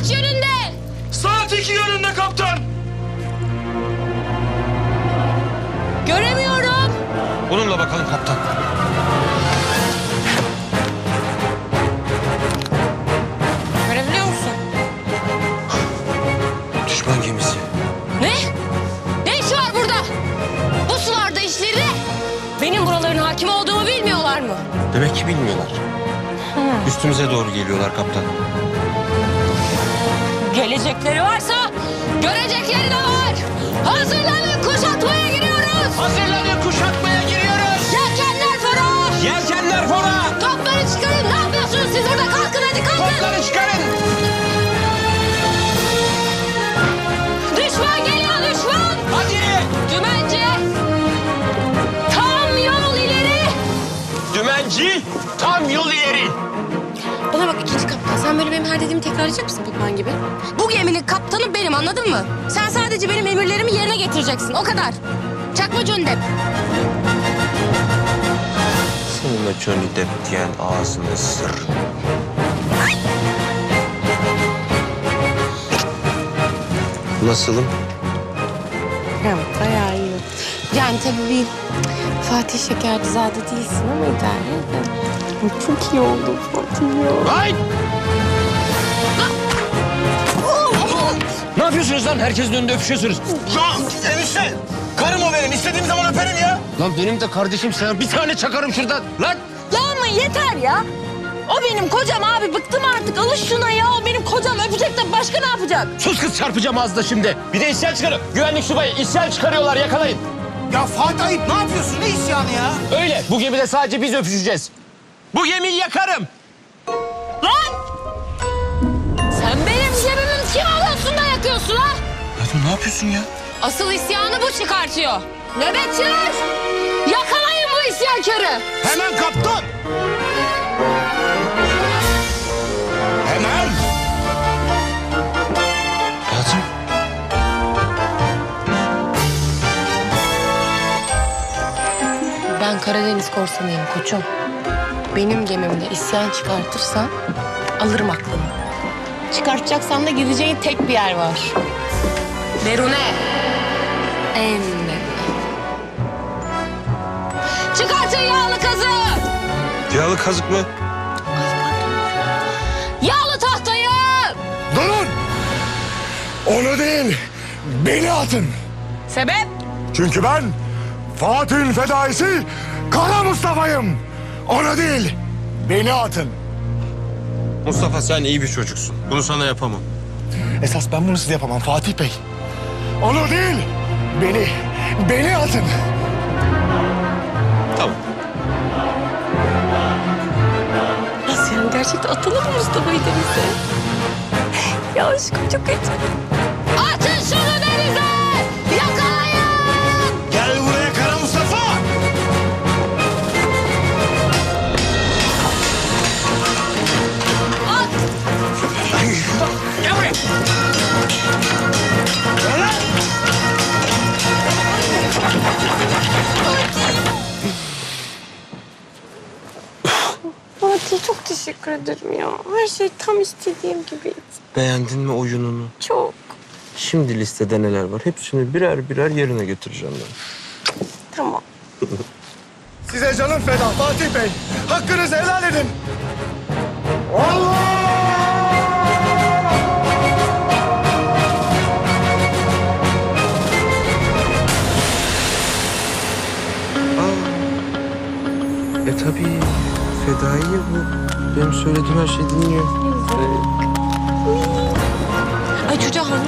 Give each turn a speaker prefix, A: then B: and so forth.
A: Kaç yönünde?
B: Saat 2 yönünde kaptan.
A: Göremiyorum.
B: Bununla bakalım kaptan.
A: Görebiliyor musun?
B: Düşman gemisi.
A: Ne? Ne işi var burada? Bu sularda işleri ne? Benim buraların hakim olduğumu bilmiyorlar mı?
B: Demek ki bilmiyorlar. Üstümüze doğru geliyorlar kaptan.
A: Gelecekleri varsa görecekleri de var. Hazırlanın, kuşatmaya giriyoruz.
B: Hazırlanın, kuşatmaya giriyoruz.
A: Yelkenler fora.
B: Yelkenler fora.
A: Topları çıkarın. Ne yapıyorsunuz siz burada? Kalkın hadi kalkın.
B: Topları çıkarın.
A: Düşman geliyor düşman.
B: Hadi.
A: Dümenci. Tam yol ileri.
B: Dümenci, tam yol ileri.
A: Bana bak ikinci kaptan. Sen böyle benim her dediğimi tekrarlayacak mısın Putman gibi? Bu geminin kaptanı benim, anladın mı? Sen sadece benim emirlerimi yerine getireceksin. O kadar. Çakma Johnny Depp.
B: Senin o Johnny Depp diyen ağzını sır. Nasılım?
A: Ya bayağı iyi. Yani tabii bir Fatih Şekercizade değilsin ama idare eder. Çok iyi oldu Fatih ya.
B: Ay! Ne yapıyorsunuz lan? Herkesin önünde öpüşüyorsunuz.
C: Ya enişte, karım o benim. İstediğim zaman öperim ya.
B: Lan benim de kardeşim, sana bir tane çakarım şuradan. Lan!
A: Ya ama yeter ya. O benim kocam abi. Bıktım artık. Alış şuna ya. O benim kocam. Öpecek de başka ne yapacak?
B: Sus kız, çarpacağım ağzına şimdi. Bir de isyan çıkarın. Güvenlik subayı isyan çıkarıyorlar, yakalayın.
C: Ya Fatih Ayıp ne yapıyorsun? Ne isyanı ya?
B: Öyle. Bu gemide sadece biz öpüşeceğiz. Bu gemiyi yakarım.
A: Lan! Sen benim gemimin kim alıyorsun da yakıyorsun ha?
C: Ya ne yapıyorsun ya?
A: Asıl isyanı bu çıkartıyor. Nöbetçiler! Yakalayın bu isyankarı.
C: Hemen kaptan. Hemen.
B: Fatih.
A: Ben Karadeniz korsanıyım koçum. Benim gemimde isyan çıkartırsan alırım aklını. Çıkartacaksan da gideceğin tek bir yer var. Derune. En derune. Çıkartın yağlı kazı.
B: Yağlı kazık mı?
A: Yağlı tahtayı.
C: Durun. Onu değil, beni atın.
A: Sebep?
C: Çünkü ben Fatih'in fedaisi Kara Mustafa'yım. Onu değil, beni atın.
B: Mustafa, sen iyi bir çocuksun. Bunu sana yapamam.
C: Esas ben bunu size yapamam Fatih Bey. Onu değil, beni atın.
B: Tamam.
A: Nasıl yani? Gerçekten atalım mı Mustafa'yı denize? Ya aşkım çok heyecanlı. Atın şunu denize! Yakalayın!
C: Gel buraya Kara Mustafa.
A: At!
C: Gel buraya. Gel lan.
A: Fatih çok teşekkür ederim ya. Her şey tam istediğim gibiydi.
B: Beğendin mi oyununu?
A: Çok.
B: Şimdi listede neler var? Hepsini birer birer yerine götüreceğim ben.
A: Tamam.
C: Size canım feda Fatih Bey. Hakkınızı helal edin. Allah!
B: Tabii. Fedai ya bu. Benim söylediğim her şeyi dinliyor.
A: Ay çocuğa